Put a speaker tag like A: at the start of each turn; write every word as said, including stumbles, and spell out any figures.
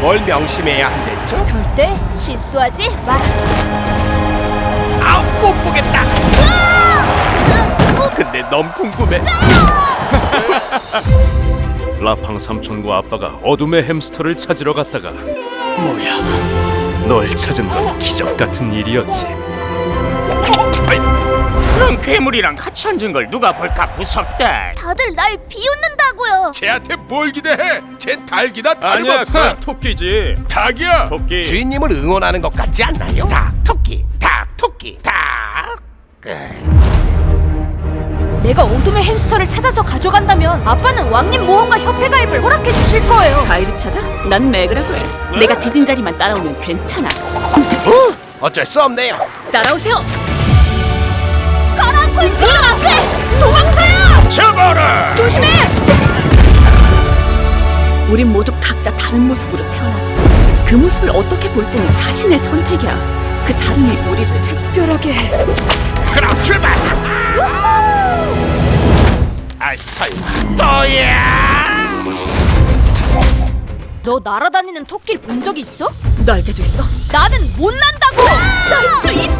A: 뭘 명심해야 한댔죠?
B: 절대 실수하지 마라.
A: 아우, 못 보겠다. 근데 너무 궁금해.
C: 라팡 삼촌과 아빠가 어둠의 햄스터를 찾으러 갔다가 뭐야, 널 찾은 건 기적 같은 일이었지.
D: 그런 괴물이랑 같이 앉은 걸 누가 볼까 무섭다.
B: 다들 날 비웃는다고요.
A: 쟤한테 뭘 기대해? 쟤 닭이나
C: 아니야,
A: 다름없어.
C: 그냥 토끼지.
A: 닭이야.
C: 토끼.
A: 주인님을 응원하는 것 같지 않나요? 닭, 토끼, 닭, 토끼, 닭.
B: 내가 어둠의 햄스터를 찾아서 가져간다면 아빠는 왕님 모험가 협회 가입을 허락해 주실 거예요.
E: 가이드 찾아? 난 매그라고 해. 내가 디딘 자리만 따라오면 괜찮아.
A: 어? 어쩔 수 없네요.
E: 따라오세요.
B: 가라앉고 있어! 앞에! 도망쳐요!
D: 잡아라.
B: 조심해!
E: 우린 모두 각자 다른 모습으로 태어났어. 그 모습을 어떻게 볼지는 자신의 선택이야. 그 다른 일 우리를
B: 특별하게.
A: 그럼 출발. 아, 설마 또야?
B: 너 날아다니는 토끼를 본 적 있어?
E: 날개도 있어?
B: 나는 못 난다고!
E: 날 수 있다.